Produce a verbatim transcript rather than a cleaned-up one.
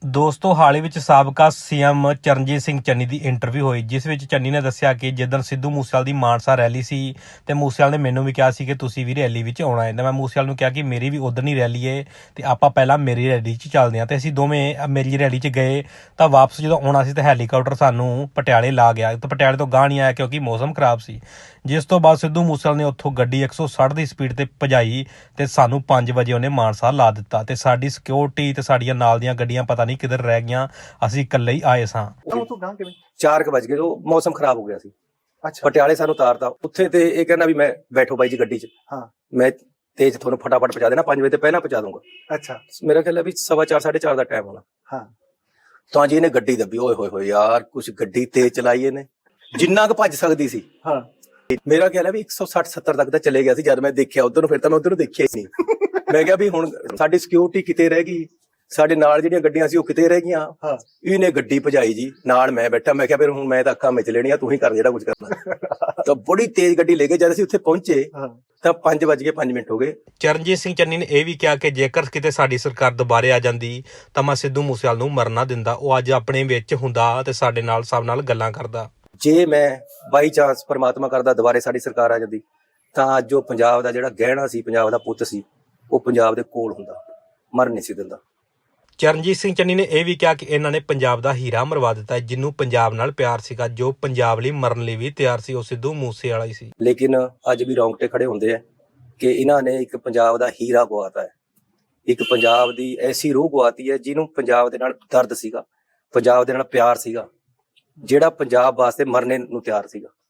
ਦੋਸਤੋ ਹਾਲ ਹੀ ਵਿੱਚ ਸਾਬਕਾ ਸੀਐਮ ਚਰਨਜੀਤ ਸਿੰਘ ਚੰਨੀ ਦੀ ਇੰਟਰਵਿਊ ਹੋਈ, ਜਿਸ ਵਿੱਚ ਚੰਨੀ ਨੇ ਦੱਸਿਆ ਕਿ ਜਿੱਦਣ ਸਿੱਧੂ ਮੂਸੇਵਾਲੇ ਦੀ ਮਾਨਸਾ ਰੈਲੀ ਸੀ ਤੇ ਮੂਸੇਵਾਲੇ ਨੇ ਮੈਨੂੰ ਵੀ ਕਿਹਾ ਸੀ ਕਿ ਤੁਸੀਂ ਵੀ ਰੈਲੀ ਵਿੱਚ ਆਉਣਾ ਹੈ। ਤੇ ਮੈਂ ਮੂਸੇਵਾਲੇ ਨੂੰ ਕਿਹਾ ਕਿ ਮੇਰੀ ਵੀ ਉਧਰ ਨਹੀਂ ਰੈਲੀ ਹੈ ਤੇ ਆਪਾਂ ਪਹਿਲਾਂ ਮੇਰੀ ਰੈਲੀ 'ਚ ਚੱਲਦੇ ਹਾਂ। ਤੇ ਅਸੀਂ ਦੋਵੇਂ ਮੇਰੀ ਰੈਲੀ 'ਚ ਗਏ ਤਾਂ ਵਾਪਸ ਜਦੋਂ ਆਉਣਾ ਸੀ ਤਾਂ ਹੈਲੀਕਾਪਟਰ ਸਾਨੂੰ ਪਟਿਆਲੇ ਲਾ ਗਿਆ ਤੇ ਪਟਿਆਲੇ ਤੋਂ ਗਾਂਹ ਨਹੀਂ ਆਇਆ ਕਿਉਂਕਿ ਮੌਸਮ ਖਰਾਬ ਸੀ। ਜਿਸ ਤੋਂ ਬਾਅਦ ਸਿੱਧੂ ਮੂਸੇਵਾਲੇ ਨੇ ਉੱਥੋਂ ਗੱਡੀ ਇੱਕ ਸੌ ਸੱਠ ਦੀ ਸਪੀਡ ਤੇ ਭਜਾਈ ਤੇ ਸਾਨੂੰ ਪੰਜ ਵਜੇ ਉਹਨੇ ਮਾਨਸਾ ਲਾ ਦਿੱਤਾ ਤੇ ਸਾਡੀ ਸਿਕਿਉਰਿਟੀ ਤੇ ਸਾਡੀਆਂ ਨਾਲ ਦੀਆਂ ਗੱਡੀਆਂ ਪਤਾ ਨਹੀਂ ਕਿੱਧਰ ਰਹਿ ਗਈਆਂ। ਅਸੀਂ ਇਕੱਲੇ ਹੀ ਆਏ ਸਾਂ। ਚਾਰ ਕੁ ਵਜ ਗਏ, ਉਹ ਮੌਸਮ ਖਰਾਬ ਹੋ ਗਿਆ ਸੀ। ਅੱਛਾ, ਪਟਿਆਲੇ ਸਾਨੂੰ ਉਤਾਰਤਾ ਉੱਥੇ ਤੇ ਇਹ ਕਹਿੰਦਾ ਵੀ ਮੈਂ ਬੈਠੋ ਬਾਈ ਜੀ ਗੱਡੀ 'ਚ, ਹਾਂ ਮੈਂ ਤੇਜ਼ ਤੁਹਾਨੂੰ ਫਟਾਫਟ ਪਹੁੰਚਾ ਦੇਣਾ, ਪੰਜ ਵਜੇ ਤੇ ਪਹਿਲਾਂ ਪਹੁੰਚਾ ਦੂੰਗਾ। ਅੱਛਾ, ਮੇਰਾ ਖਿਆਲ ਹੈ ਵੀ ਸਵਾ ਚਾਰ ਸਾਢੇ ਚਾਰ ਦਾ ਟਾਈਮ ਹੋਣਾ। ਹਾਂ, ਤਾਂ ਜੀ ਇਹਨੇ ਗੱਡੀ ਦੱਬੀ। ਓਏ ਹੋਏ ਹੋਏ ਯਾਰ, ਕੁਛ ਗੱਡੀ ਤੇਜ਼ ਚਲਾਈ ਇਹਨੇ, ਜਿੰਨਾ ਕੁ ਭੱਜ ਸਕਦੀ ਸੀ। ਹਾਂ, ਮੇਰਾ ਖਿਆਲ ਹੈ ਵੀ ਇੱਕ ਸੌ ਸੱਠ ਸੱਤਰ ਤੱਕ ਤਾਂ ਚਲੇ ਗਿਆ ਸੀ ਜਦ ਮੈਂ ਦੇਖਿਆ ਉਧਰ ਨੂੰ। ਫਿਰ ਤਾਂ ਮੈਂ ਉਧਰ ਨੂੰ ਦੇਖਿਆ ਹੀ ਨਹੀਂ। ਮੈਂ ਕਿਹਾ ਵੀ ਹੁਣ ਸਾਡੀ ਸਿਕਿਉਰਿਟੀ ਕਿਤੇ ਰਹਿ ਗਈ, ਸਾਡੇ ਨਾਲ ਜਿਹੜੀਆਂ ਗੱਡੀਆਂ ਸੀ ਉਹ ਕਿਤੇ ਰਹਿ ਗਈਆਂ। ਹਾਂ, ਇਹਨੇ ਗੱਡੀ ਭਜਾਈ ਜੀ, ਨਾਲ ਮੈਂ ਬੈਠਾ। ਮੈਂ ਕਿਹਾ ਫਿਰ ਹੁਣ ਮੈਂ ਤਾਂ ਅੱਖਾਂ ਵਿੱਚ ਲੈਣੀਆਂ, ਤੂੰ ਹੀ ਕਰ ਜਿਹੜਾ ਕੁਝ ਕਰਨਾ। ਤਾਂ ਬੜੀ ਤੇਜ਼ ਗੱਡੀ ਲੈ ਕੇ ਜਦ ਅਸੀਂ ਉੱਥੇ ਪਹੁੰਚੇ ਹਾਂ, ਤਾਂ ਪੰਜ ਵੱਜ ਕੇ ਪੰਜ ਮਿੰਟ ਹੋ ਗਏ। ਚਰਨਜੀਤ ਸਿੰਘ ਚੰਨੀ ਨੇ ਇਹ ਵੀ ਕਿਹਾ ਕਿ ਜੇਕਰ ਕਿਤੇ ਸਾਡੀ ਸਰਕਾਰ ਦੁਬਾਰੇ ਆ ਜਾਂਦੀ ਤਾਂ ਮੈਂ ਸਿੱਧੂ ਮੂਸੇਵਾਲੇ ਨੂੰ ਮਰਨ ਨਾ ਦਿੰਦਾ। ਉਹ ਅੱਜ ਆਪਣੇ ਵਿੱਚ ਹੁੰਦਾ ਤੇ ਸਾਡੇ ਨਾਲ ਸਭ ਨਾਲ ਗੱਲਾਂ ਕਰਦਾ। ਜੇ ਮੈਂ ਬਾਈ ਚਾਂਸ ਪਰਮਾਤਮਾ ਕਰਦਾ ਦੁਬਾਰੇ ਸਾਡੀ ਸਰਕਾਰ ਆ ਜਾਂਦੀ ਤਾਂ ਅੱਜ ਉਹ ਪੰਜਾਬ ਦਾ ਜਿਹੜਾ ਗਹਿਣਾ ਸੀ, ਪੰਜਾਬ ਦਾ ਪੁੱਤ ਸੀ, ਉਹ ਪੰਜਾਬ ਦੇ ਕੋਲ ਹੁੰਦਾ, ਮਰ ਨਹੀਂ ਸੀ ਦਿੰਦਾ। ਚਰਨਜੀਤ ਸਿੰਘ ਚੰਨੀ ਨੇ ਇਹ ਵੀ ਕਿਹਾ ਕਿ ਇਹਨਾਂ ਨੇ ਪੰਜਾਬ ਦਾ ਹੀਰਾ ਮਰਵਾ ਦਿੱਤਾ, ਜਿਹਨੂੰ ਪੰਜਾਬ ਨਾਲ ਪਿਆਰ ਸੀਗਾ, ਜੋ ਪੰਜਾਬ ਲਈ ਮਰਨ ਲਈ ਵੀ ਤਿਆਰ ਸੀ, ਉਹ ਸਿੱਧੂ ਮੂਸੇਵਾਲਾ ਹੀ ਸੀ। ਲੇਕਿਨ ਅੱਜ ਵੀ ਰੌਂਗਟੇ ਖੜੇ ਹੁੰਦੇ ਆ ਕਿ ਇਹਨਾਂ ਨੇ ਇੱਕ ਪੰਜਾਬ ਦਾ ਹੀਰਾ ਗਵਾਤਾ ਹੈ, ਇੱਕ ਪੰਜਾਬ ਦੀ ਐਸੀ ਰੂਹ ਗਵਾਤੀ ਹੈ ਜਿਹਨੂੰ ਪੰਜਾਬ ਦੇ ਨਾਲ ਦਰਦ ਸੀਗਾ, ਪੰਜਾਬ ਦੇ ਨਾਲ ਪਿਆਰ ਸੀਗਾ, ਜਿਹੜਾ ਪੰਜਾਬ ਵਾਸਤੇ ਮਰਨੇ ਨੂੰ ਤਿਆਰ ਸੀਗਾ।